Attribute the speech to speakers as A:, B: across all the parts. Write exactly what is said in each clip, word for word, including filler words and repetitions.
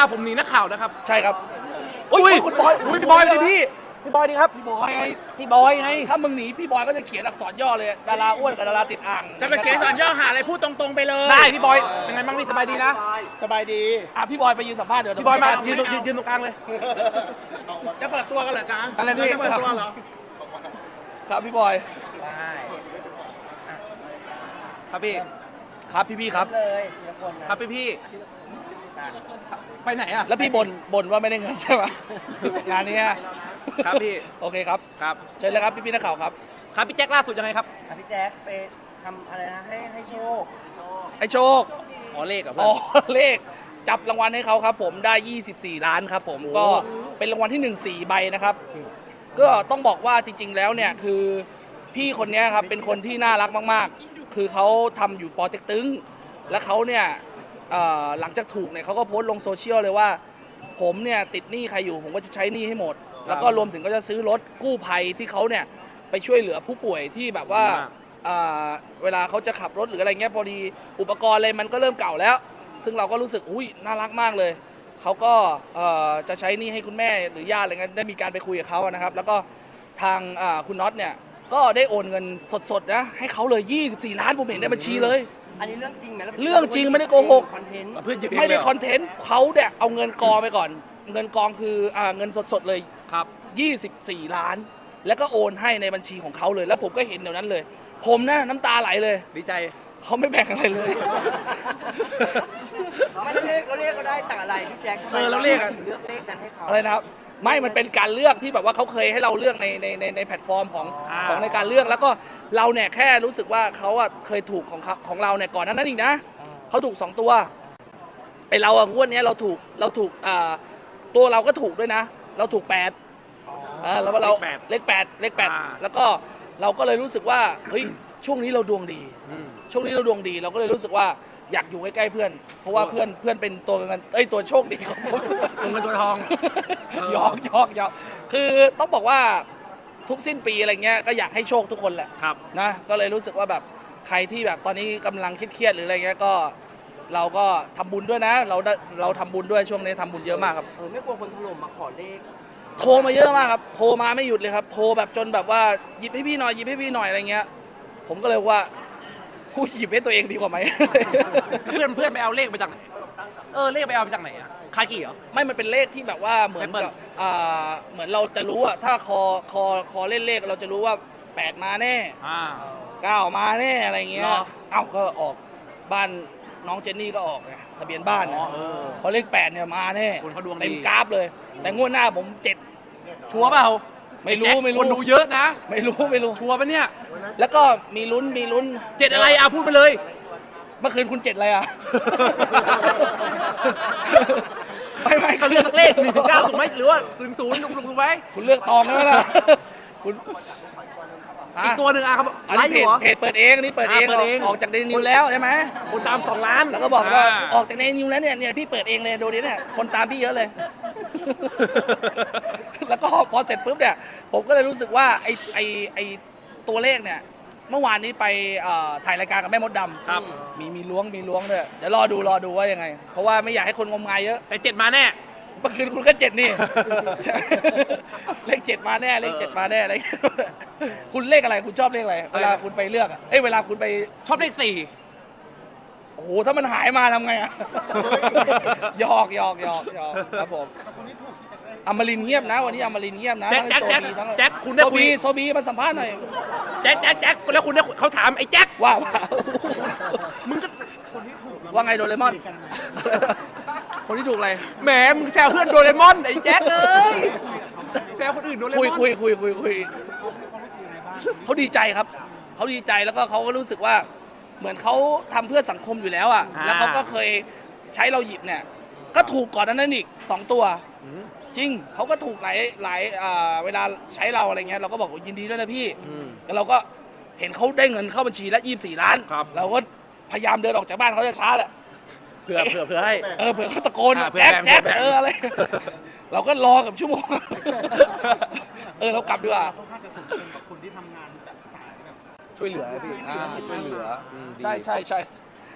A: ผมหนีนักข่าวนะครับ
B: ใช่ครับ
A: อุ้ย
B: คุณบอย
A: พี่บอยเลยพี่
B: พี่บอยดีครับ
A: พี่บอยไง
B: พี่บอยไงถ้ามึงหนีพี่บอยก็จะเขียนอักษรย่อเลยดาราอ้วนกับดาราติดอ่าง
A: จะไปเขียนอักษรย่อหาอะไรพูดตรงๆไปเลย
B: ได้พี่บอยเป็นไงบ้างพี่สบายดีนะ
A: สบายดี
B: อ่ะพี่บอยไปยืนสัมภาษณ์เดี๋ยวพี่บอยมายืนยืนยืนตรงกลางเลย
A: จะเปิดตัวกันเหรอจ๊ะ
B: อะไรพี่
A: จะเปิดตัวเหรอ
B: ครับพี่บอยครับพี่ครับพี่พี่ครับครับพี่พี่ไปไหนอ่ะแล้วพี่บ่นบ่นว่าไม่ได้เงินใช่ไหมงานนี้ครับพี่โอเคครับครับเชิญเลยครับพี่พี่นักข่าวครับครับพี่แจ็คล่าสุดยังไงครับ
C: พี่แจ็คไปทำอะไรนะให้ให้โชค
B: ไอโชคอ๋อเลขอ่ะอ๋อเลขจับรางวัลให้เขาครับผมได้ยี่สิบสี่ล้านครับผมก็เป็นรางวัลที่หนึ่ง สี่ใบนะครับก็ต้องบอกว่าจริงๆแล้วเนี่ยคือพี่คนนี้ครับเป็นคนที่น่ารักมากๆคือเขาทำอยู่ปอเต็กตึงและเขาเนี่ยหลังจากถูกเนี่ยเขาก็โพสต์ลงโซเชียลเลยว่าผมเนี่ยติดหนี้ใครอยู่ผมก็จะใช้หนี้ให้หมดแล้วก็รวมถึงก็จะซื้อรถกู้ภัยที่เขาเนี่ยไปช่วยเหลือผู้ป่วยที่แบบว่าเวลาเขาจะขับรถหรืออะไรเงี้ยพอดีอุปกรณ์อะไรมันก็เริ่มเก่าแล้วซึ่งเราก็รู้สึกอุ้ยน่ารักมากเลยเขาก็จะใช้หนี้ให้คุณแม่หรือญาติอะไรเงี้ยได้มีการไปคุยกับเขานะครับแล้วก็ทางคุณน็อตเนี่ยก็ได้โอนเงินสดๆนะให้เขาเลยยี่สิบสี่ล้านผมเห็นในบัญชีเลย
C: อันนี้เรื่องจริงไหม
B: เรื่องจริงไม่ได้โกหก
C: คอนเทนต์
B: ไม่ได้คอนเทนต์เขาเนี่ยเอาเงินกองไปก่อนเงินกองคืออ่าเงินสดๆเลยครับยี่สิบสี่ล้านแล้วก็โอนให้ในบัญชีของเขาเลยแล้วผมก็เห็นเดี๋ยวนั้นเลยผมนะน้ำตาไหลเลย
A: ดีใจ
B: เขาไม่แบ่งอะไรเลย
C: ไม่เราเรียกเราเรียกก็ได้จากอะไรพี่แจ็ค
B: เออเราเรียก
C: เลือกเลขนั้นให้เขา
B: อะไรนะครับไม่มันเป็นการเลือกที่แบบว่าเขาเคยให้เราเลือกในในในในแพลตฟอร์มของของในการเลือกแล้วก็เราเนี่ยแค่รู้สึกว่าเขาอะเคยถูกของของเราเนี่ยก่อนนั้นอีกนะเขาถูกสองตัวไอเราอะงวดนี้เราถูกเราถูกอ่าตัวเราก็ถูกด้วยนะเราถูกแปดอ่าแล้วเราเลขแปดเลขแปดแล้วก็เราก็เลยรู้สึกว่าเฮ้ยช่วงนี้เราดวงดีช่วงนี้เราดวงดีเราก็เลยรู้สึกว่าอยากอยู่ใกล้ๆเพื่อนเพราะว่าเพื่อนเพื่อนเป็นตัวเงินเอ้ยตัวโชคดีของผม
A: ตัวเงินตัวทอง
B: ยอกยอกยอกคือต้องบอกว่าทุกสิ้นปีอะไรเงี้ยก็อยากให้โชคทุกคนแหละนะก็เลยรู้สึกว่าแบบใครที่แบบตอนนี้กำลังเครียดๆหรืออะไรเงี้ยก็เราก็ทำบุญด้วยนะเราเราทำบุญด้วยช่วงนี้ทำบุญเยอะมากครับ
C: เออไม่กลัวคนถล่มมาขอเลข
B: โทรมาเยอะมากครับโทรมาไม่หยุดเลยครับโทรแบบจนแบบว่าหยิบให้พี่หน่อยหยิบให้พี่หน่อยอะไรเงี้ยผมก็เลยว่ากูหยิบให้ตัวเองดีกว่าไหม
A: เพื่อนเพื่อนไปเอาเลขไปจากไหนเออเลขไปเอาไปจากไหนอะคากิเหรอ
B: ไม่มันเป็นเลขที่แบบว่าเหมือนกับอ่าเหมือนเราจะรู้อะถ้าคอคอคอเล่นเลขเราจะรู้ว่าแปดมาแน่เก้ามาแน่อะไรเงี้ยเอ้าก็ออกบ้านน้องเจนนี่ก็ออกไงทะเบียนบ้านเนี่ยพอเลขแปดเนี่ยมาแน่
A: คนเขาดวงดี
B: เต็มกราฟเลยแต่งวดหน้าผมเจ็ด
A: ชัวร์เปล่า
B: ไม่รู้ไม่รู้
A: คนดูเยอะนะ
B: ไม่รู้ไม่รู้
A: ชัวร์ปะเนี่ย
B: แล้วก็มีลุ้นมีลุ้น
A: เจ็ดอะไรอ่ะพูดไปเลย
B: เมื่อคืนคุณเจ็ดอะไรอ่ะ
A: ไม่ไม่เขาเลือกเลขหนึ่งถึงเก้าถูกไหมหรือว่าถึงศูนย์ถูกไหม
B: คุณเลือกตองได้ไหมล่ะคุณ
A: อีกตัวหนึ่งอ่ะครับ
B: อันนี้เพจเปิดเองอันนี้เปิดเองออกจากเดนิวแล้วใช่ไหม
A: คนตามสองล้าน
B: แล้วก็บอกว่าออกจากเดนิวแล้วเนี่ยเนี่ยพี่เปิดเองเลยดูดิเนี่ยคนตามพี่เยอะเลยแล้วก็พอเสร็จปุ๊บเนี่ยผมก็เลยรู้สึกว่าไอไอไอตัวเลขเนี่ยเมื่อวานนี้ไปถ่ายรายการกับแม่มดดำ
A: ครับ
B: มีมีล้วงมีล้วงด้วยเดี๋ยวรอดูรอดูว่ายังไงเพราะว่าไม่อยากให้คนงมงายเยอะ
A: แต่เจ็ดมาแน่
B: เมื่อคืนคุณก็เจ็ดนี่เลขเจ็ดมาแน่เลขเจ็ดมาแน่อะไรคุณเลขอะไรคุณชอบเลขอะไรเวลาคุณไปเลือกเอ้ยเวลาคุณไป
A: ชอบเลขสี่
B: โอ้โหถ้ามันหายมาทำไงอ่ะหยอกหยอกหยอกหยอกครับผมอมรินเงียบนะวันนี้อมรินเงียบนะ
A: แจ็คแจ็คแจ็คแจ็คคุณได้คุย
B: โซบีมาสัมภาษณ์หน่อย
A: แจ็คแจ็คแจ็คแล้วคุณได้เขาถามไอ้แจ็ค
B: ว่า
A: มึงก็
B: ว่าไงโดเรมอนคนที่ถูกอะไร
A: แหมมึงแซวเพื่อนโดเรมอนไอ้แจ็คเอ้ยแซวคนอื่นโดเรมอน
B: คุยคุยคุยคุยคุยเขาดีใจครับเขาดีใจแล้วก็เขาก็รู้สึกว่าเหมือนเขาทำเพื่อสังคมอยู่แล้วอ่ะแล้วเขาก็เคยใช้เราหยิบเนี่ยก็ถูกก่อนนั้นอีกสองตัวจริงเขาก็ถูกหลายหลายเวลาใช้เราอะไรเงี้ยเราก็บอกยินดีด้วยนะพี่แล้วเราก็เห็นเขาได้เงินเข้าบัญชีแล้วยี่สิบสี่ล้านเราก็พยายามเดินออกจากบ้านเขาจะช้าแหละ
A: เผื่อเผื่อเผื่อให้
B: เออเผื่อเขาตะโกนแจ๊กแจ๊กเอออะไรเราก็รอกับชั่วโมงเออเรากลับดีกว่า
C: คนที่ทำงานแบบสายแบบ
B: ช่วยเหลือพี่ช่วยเหลือใช่ใช่ใช่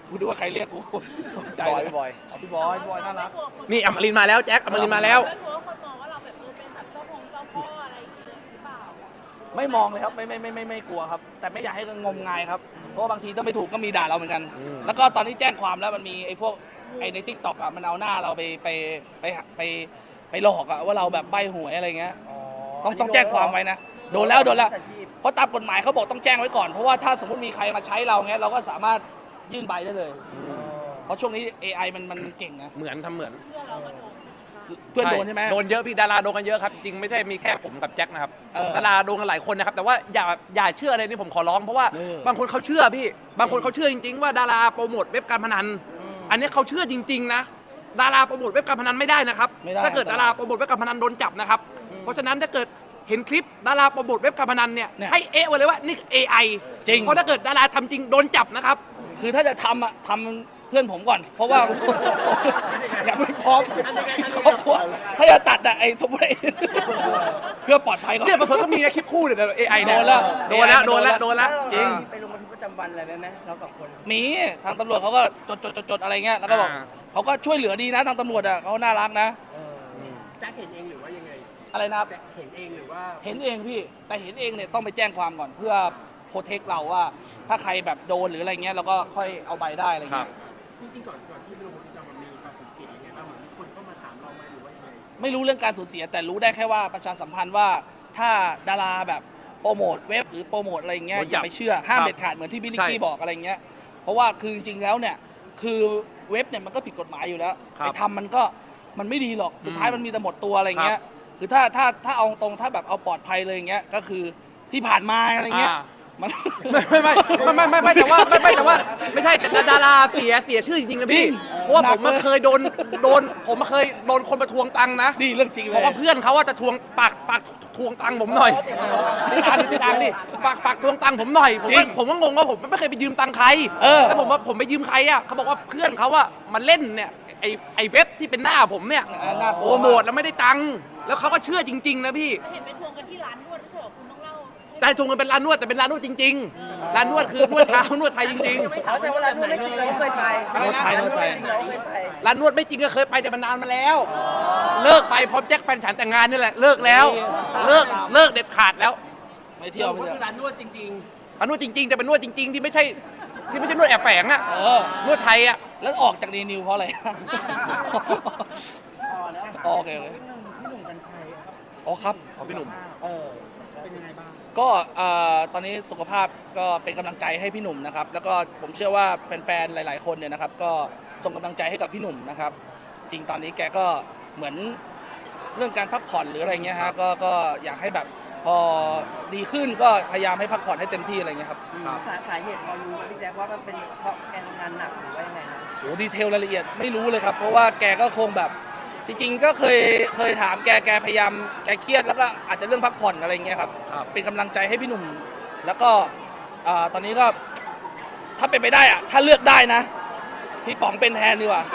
B: กูดูว่าใครเรียกกูตกใจ
A: บอย
B: เลย
A: บอย
B: เอาพี่บอยพี่บอยน่ารัก
A: นี่อมรินทร์มาแล้วแจ็คอมรินทร์มาแล้ว
D: ไม่กลัวคนมองว่าเราแบบเออเป็นแบบเจ้าพงเจ้าพ่ออะไรอย่างเงี้ยหรือเปล่า
B: ไม่มองเลยครับไม่ไม่ไม่ไม่ไม่กลัวครับ แต่ไม่อยากให้งมงายครับเพราะว่าบางทีถ้าไม่ถูกก็มีด่าเราเหมือนกัน
A: อืม
B: แล้วก็ตอนนี้แจ้งความแล้วมันมีไอ้พวกไอ้ในทิกตอกอ่ะมันเอาหน้าเราไปไปไปไปไปหลอกอ่ะว่าเราแบบใบหวยอะไรเงี้ยต้องต้องแจ้งความไว้นะโดนแล้วโดนแล้ว
C: อาชีพ
B: เพราะตามกฎหมายเขาบอกต้องแจ้งไว้ก่อน เพราะว่าถ้าสมมติมีใครมาใช้เราเงี้ยเราก็สามารถยื่นใบได้เลย เพราะช่วงนี้ เอ ไอ มันมันเก่งนะ
A: เหมือนทำเหมือน
B: เพื่อนโดนใช่ไหม
A: โดนเยอะพี่ดาราโดนกันเยอะครับ จริงๆไม่ใช่มีแค่ผมกับแจ็คนะครับ
B: เออ
A: ดาราโดนกันหลายคนนะครับ แต่ว่าอย่าอย่าเชื่ออะไรนี่ผมขอร้องเพราะว่า
B: เออ
A: บางคนเขาเชื่อพี่ บางคนเขาเชื่อจริง ๆ ว่าดาราโปรโมทเว็บการพนัน อันนี้เขาเชื่อจริง ๆ นะ ดาราโปรโมทเว็บการพนันไม่ได้นะครับ
B: ไม่ได้
A: ถ้าเกิดดาราโปรโมทเว็บการพนันโดนจับนะครับ เพราะฉะนั้นถ้าเกิดเห็นคลิปดาราโปรโมทเว็บการพนันเนี่ย
B: เนี่ย
A: ให้เอะไว้เลยว่านี่ เอ ไอ
B: จริง
A: เพราะถ้าเกิดดาราทำจริงโดนจับนะครับ
B: คือถ้าจะทำอ่ะทำเพื่อนผมก่อน เพราะว่า ยังไม่พร้อมครอบครัวถ้าจะตัดอะไอ้สมมติไอ้ เพื่อปลอดภัยก่อน
A: เนี่ยเพิ่งก็มีนะคลิปคู่เนี่ยเอไอเนี่ย
B: โดนแล้ว
A: โดนแล้วโดนแล้วโดนแล้ว
C: แล้วเรา
A: จริง
C: ไปลงบันทึกประจำวันอะไรไหมไหมเราสองคน
B: มีทางตำรวจเขาก็จดจดจดจดอะไรเงี้ยแล้วก็บอก
A: อ่า
B: เขาก็ช่วยเหลือดีนะทางตำรวจอ่ะเขาน่ารักนะ
E: แจ็คเห็นเองหรือว่ายังไง
B: อะไรนะครับ
E: เห็นเองหรือว่า
B: เห็นเองพี่แต่เห็นเองเนี่ยต้องไปแจ้งความก่อนเพื่อโปรเทคเราว่า ถ้าใครแบบโดนหรืออะไรเงี้ยเราก็ค่อยเอาใบได้อะไร
A: ครั
B: เงี้
A: บ
B: ย
E: จริงๆก่อนก่อนที่ไปลงบันทึกประจำวันมีความสูญเสียยังไงบ้างเหมือนมีคนเข้ามาถามเราไหมหรือว่ายังไง
B: ไม่รู้เรื่องการสูญเสียแต่รู้ได้แค่ว่าประชาสัมพันธ์ว่าถ้าดาราแบบโปรโมทเว็บหรือโปรโมทอะไรเงี้ย
A: โดน
B: อ
A: จับ
B: ย่าไปเชื่อห้าม
A: ครับ
B: เด็ดขาดเหมือนที่พี่นิก
A: ใช่
B: กี้บอกอะไรเงี้ยเพราะว่าคือจริงๆแล้วเนี่ยคือเว็บเนี่ยมันก็ผิดกฎหมายอยู่แล้ว
A: ครับ
B: ไปทำมันก็มันไม่ดีหรอกสุดท้าย
A: อืม
B: มันมีแต่หมดตัวอะไรเงี้ยคือถ้าถ้าถ้าเอาตรงถ้าแบบเอาปลอดภัยเลยอย่างเงี้ยก็คือที่ผ่านมาอะไรเงี้ย
A: อ่า
B: มัน
A: ไม่ไม่ไม่ไม่ไม่ไม่แต่ว่าไม่ไม่แต่ว่าไม่ใช่แต่ดาราเสียเสียชื่อจริงๆนะ
B: จริ
A: พี่
B: ง
A: เพราะว่า
B: หนั
A: ผ
B: ก
A: มมา
B: เลย
A: เคยโดนโดนผมมาเคยโดนคนมาทวงตังค์นะ
B: นี่เรื่องจริงเล
A: บอย กว่าเพื่อนเขาว่าจะทวงฝากฝากทวงตังค์ผมหน่อยติดตามติดตามดิฝากฝากทวงตังค์ผมหน่อยผมก็ผมก็งงว่าผมไม่เคยไปยืมตังค์ใคร
B: เออ
A: แล้วผมว่าผมไปยืมใครอ่ะเขาบอกว่าเพื่อนเขาว่ามันเล่นเนี่ยไอไอเว็บที่เป็นหน้าผมเนี่ย
B: อ่าน่ากลั
A: โป
B: ว
A: รโมทแล้วไม่ได้ตังค์แล้วเขาก็เชื่อจริง ๆ นะพี่
D: เห็นไปทวงกันที่ร้านนวดไม่ใช่เหรอคุณต้องเล่าให้
A: แต่ทวงเงินเป็นร้านนวดแต่เป็นร้านนวดจริงๆร้านนวดคือนวดเท้านวดไทยจริง ๆ
C: เขาแสดงว่าร้านนวดไม่จริงเราก็เคยไป
B: นวดไทย
C: ร้าน
B: นวดไทย
C: ไม่จริงเราก็เคยไป
A: ร้านนวดไม่จริงก็เคยไปแต่มันนานมาแล้ว เลิกไปพร้อมแจ็คแฟนฉันแต่งงานนี่แหละเลิกแล้ว เลิกเลิกเด็ดขาดแล้ว
B: ไม่เที่ยวไม่
E: ก็
B: เที่ยว
E: คือร้านนวดจริง
A: ร้านนวดจริง ๆ แต่เป็นนวดจริง ๆ ที่ไม่ใช่ที่ไม่ใช่นวดแอบแฝงอะ
B: เออน
A: วดไทยอะ
B: แล้วออกจากดีนิวเพราะอะไร โอเคโอเค
E: พี่หนุ่มกัญชัยครับ
B: อ๋อครับ
A: ของพี่หนุ่ม
C: เออ
E: เป็นยังไงบ้าง
B: ก็เอ่อตอนนี้สุขภาพก็เป็นกำลังใจให้พี่หนุ่มนะครับ แล้วก็ผมเชื่อว่าแฟนๆ หลายๆ คนเนี่ยนะครับ ก็ส่งกำลังใจให้กับพี่หนุ่มนะครับ จริงตอนนี้แกก็เหมือนเรื่องการพักผ่อนหรืออะไรเงี้ยฮะ ก็ก็อยากให้แบบพอดีขึ้นก็พยายามให้พักผ่อนให้เต็มที่อะไรเงี้ยครับ
C: สาสาเหตุพอรู้ไหมพี่แจ๊คว่ามันเป็นเพราะแกทำงานหนักหรือว่ายังไงนะ
B: โหดีเทลรายละเอียดไม่รู้เลยครับ เพราะว่าแกก็คงแบบจริง ๆ ก็เคยเคยถามแกแกพยายามแกเครียดแล้วก็อาจจะเรื่องพักผ่อนอะไรเงี้ยครับ
A: ครับ
B: เป็นกำลังใจให้พี่หนุ่ม แล้วก็อ่าตอนนี้ก็ถ้าเป็นไปได้อะถ้าเลือกได้นะ พี่ป๋องเป็นแทนดีกว่า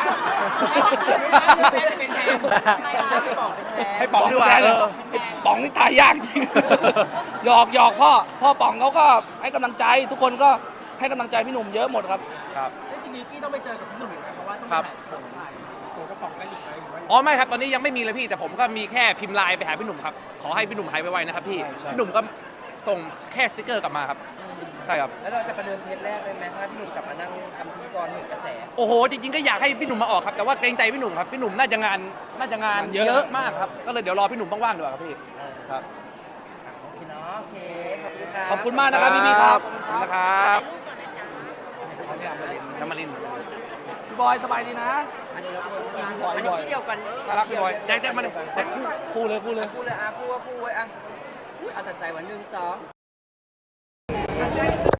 A: ให้ป๋องดีกว่า
B: แทน
A: เออ
B: ไอ้ป๋องนี่ตายยากจริง หยอกหยอกพ่อพ่อป๋องเขาก็ให้กำลังใจ ทุกคนก็ให้กำลังใจพี่หนุ่มเยอะหมดครับ
A: ครับ
E: แล้วจริงๆกี้ต้องไปเจอกับพี่หนุ่มอีกไหมเพราะว่าต้อง
A: ครับ
E: ถ่ายตัวกระป๋องกันอีกไหมหรือว่า
A: อ๋อไม่ครับตอนนี้ยังไม่มีเลยพี่แต่ผมก็มีแค่พิมพ์ไลน์ไปหาพี่หนุ่มครับขอให้พี่หนุ่มหายไวๆนะครับพี่
B: ใช่ใช่
A: พี่หนุ่มก็ส่งแค่สติกเกอร์กลับมาครับใช่ครับ
C: แล้วเราจะประเดิมเทปแรกเลยไหมถ้าพี่หนุ่มกลับมานั่งทำพิธีกรหนึ่งกระแส
A: โอ้โหจริงๆก็อยากให้พี่หนุ่มมาออกครับแต่ว่าเกรงใจพี่หนุ่มครับพี่หนุ่มน่าจะงานน่าจะงาน
B: เยอะ
A: เยอะมากครับก็เลยเดี๋ยวรอพี่หนุ่มว่างๆดีกว่าครับพี่
C: เออ
A: ครับ
C: โอเคเนาะโอเคขอบคุณครับ
B: ขอบคุณมากนะครับพี่ๆครับ
A: ขอบคุณนะครับ
D: ถ่ายรูปก่อนนะจ๊ะ
A: น้ำมาริน
B: พี่บอยสบายดีนะ
C: อันนี้เราพูดอันนี้ที่เดียวกัน
A: น่ารักพี่บอยแจ็คแจ็คมาเลยแจ็ค
B: คู่เลยคู่เลย
C: คู่เลยอ่ะคู่ว่าคู่ไว้อ่ะอ่ะตัดใจวันหนึ่งสอง